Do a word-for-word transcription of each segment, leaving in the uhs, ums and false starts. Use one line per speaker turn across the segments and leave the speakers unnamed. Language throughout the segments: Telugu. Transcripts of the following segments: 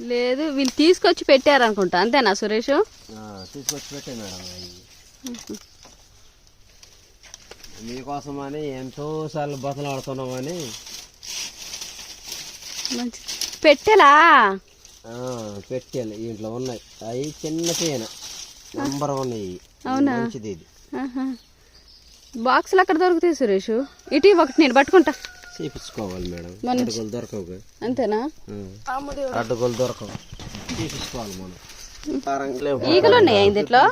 లేదు వీళ్ళు తీసుకొచ్చి పెట్టారనుకుంటా, అంతేనా సురేష్?
తీసుకొచ్చి పెట్టే మేడం. మీకోసమని ఎంతో సార్లు బతలు ఆడుతున్నామని.
మంచి పెట్టెలా?
పెట్టేయాలి, ఇంట్లో ఉన్నాయి. అవి చిన్న తేనె నెంబర్ వన్.
అవునా?
మంచిది ఇది.
బాక్సులు అక్కడ దొరుకుతాయి సురేష్. ఇటు ఒకటి నేను పట్టుకుంటా.
చేపించుకోవాలి మేడం, అడ్డుగోలు దొరకవు.
అంతేనా?
అడ్డుగోలు దొరకవు, చేపించుకోవాలి మనం.
ఈగలు ఉన్నాయా ఇందులో?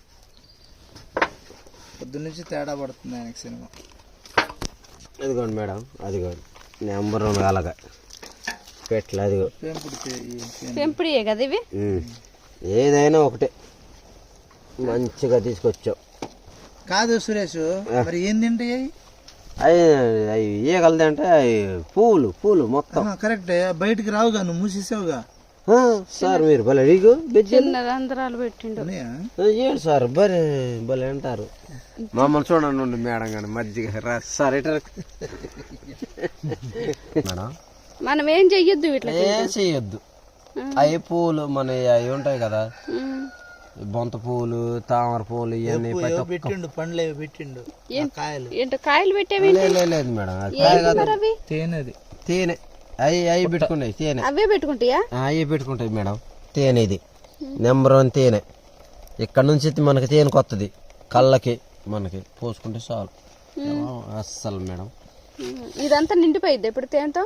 పొద్దు నుంచి తేడా పడుతుంది ఆయనకి సినిమా.
అదిగోండి మేడం, అదిగోండి నెంబర్ వన్ అలాగా పెట్టలే. అదిగో
పెంపుడియే కదా ఇవి.
ఏదైనా ఒకటే మంచిగా తీసుకొచ్చావు.
కాదు సురేష్, మరి ఏం తింటాయి
అవి? అవి ఈగలది అంటే అవి పూలు పూలు మొత్తం.
కరెక్ట్, బయటికి రావుగా, నువ్వు మూసేసావుగా
సార్. మీరు భలే అడిగు
చిన్న రంధ్రాలు పెట్టిండు.
ఏంటి సార్ భలే భలే అంటారు. మమ్మల్ని చూడండి మేడం గాని మజ్జిగ రా సార్. ఇట మేడం
మనం ఏం చెయ్యొద్దు, ఇట్లా
ఏం చెయ్యొద్దు. అవి పూలు మన అవి ఉంటాయి కదా, బొంత పూలు, తామర పూలు, ఇవన్నీ
పెట్టిండు. పండ్లు పెట్టిండు, కాయలు.
ఏంటో కాయలు పెట్టేవి?
లేదు మేడం, కాయ కాదు,
తేనెది.
తేనె. అవి అవి పెట్టుకున్నాయి తేనె.
అవే పెట్టుకుంటాయా?
అవి పెట్టుకుంటాయి మేడం. తేనె ఇది నెంబర్ వన్ తేనె. ఇక్కడ నుంచి మనకి తేనె కొత్తది, కళ్ళకి మనకి పోసుకుంటే చాలు అస్సలు మేడం.
ఇదంతా నిండిపోయిద్ది ఎప్పుడు తేనెతో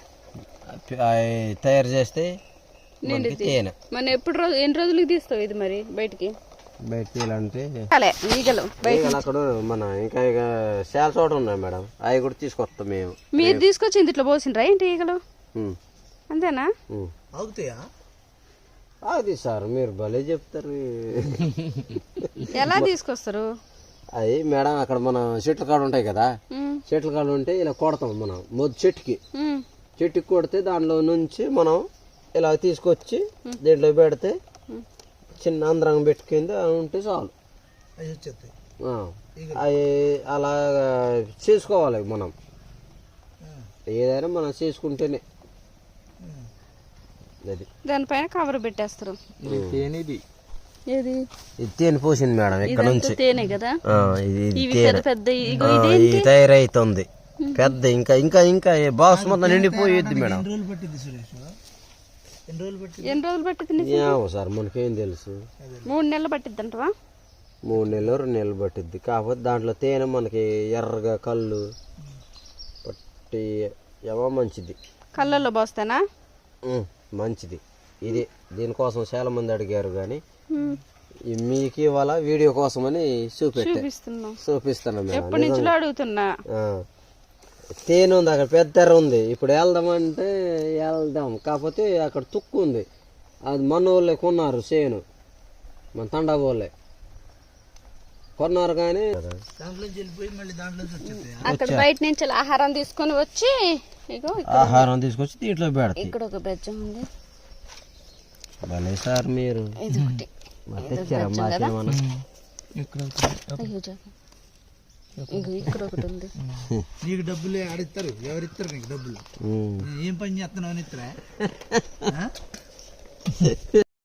తయారు చేస్తే తేనె.
మన ఎప్పుడు రోజు ఎన్ని రోజులకి తీస్తావు ఇది మరి బయటికి?
బయట తీయాలంటే
ఈగలు
అక్కడ మన ఇంకా ఇక చాలా చోట ఉన్నాయి మేడం, అవి కూడా తీసుకొస్తాం మేము.
మీరు తీసుకొచ్చి ఇంట్లో పోసిండ్రా ఏంటి ఈగలు? అంతేనా?
అవుతాయా?
అది సార్ మీరు భలే చెప్తారు.
ఎలా తీసుకొస్తారు?
అది మేడం అక్కడ మన చెట్ల కాడ ఉంటాయి కదా, చెట్ల కాడ ఉంటే ఇలా కొడతాం మనం. మొదటి చెట్టుకి చెట్టుకి కొడితే దాంట్లో నుంచి మనం ఇలా తీసుకొచ్చి దీంట్లో పెడితే చిన్న అంతరంగం పెట్టుకుంది ఉంటే చాలు. అవి అలా చేసుకోవాలి మనం. ఏదైనా మనం చేసుకుంటేనే. అది
దానిపైన కవర్ పెట్టేస్తారు.
ఇది తేనె పోసింది మేడం ఇక్కడ నుంచి.
తేనె కదా
ఇది తయారైతుంది పెద్ద. ఇంకా ఇంకా ఇంకా బాక్స్ మొత్తం నిండిపోయేది మేడం.
ఎన్ని రోజులు పట్టింది
సార్? మనకేం తెలుసు.
మూడు నెలలు పట్టిద్ది అంటవా?
మూడు నెలలు రెండు నెలలు పట్టిద్ది. కాకపోతే దాంట్లో తేనె మనకి ఎర్రగా కళ్ళు పట్టి ఏమో మంచిది.
కళ్ళల్లో పోస్తానా?
మంచిది ఇది. దీనికోసం చాలా మంది అడిగారు కానీ మీకు ఇవాళ వీడియో కోసం అని చూపెట్టా చూపిస్తున్నా
మేడం. అడుగుతున్నా.
తేనె ఉంది అక్కడ, పెద్ద ఎర్ర ఉంది. ఇప్పుడు వెళ్దామంటే వెళ్దాం, కాకపోతే అక్కడ తుక్కు ఉంది. అది మన వాళ్ళే కొన్నారు, చేను మన తండా వాళ్ళే కొన్నారు. కానీ
అక్కడ బయట నుంచి ఆహారం తీసుకొని వచ్చి
ఆహారం తీసుకొచ్చి దీంట్లో పెడతాయి.
ఇక్కడ ఒక బెజ్జం ఉంది.
భలే సార్ మీరు తెచ్చారా మాకేమన్నా?
ఇక్కడ ఒకటి ఉంది.
నీకు డబ్బులు ఆడిస్తారు, ఎవరిస్తారు నీకు డబ్బులు? ఏం పని చేస్తున్నావు అని ఇస్తారా?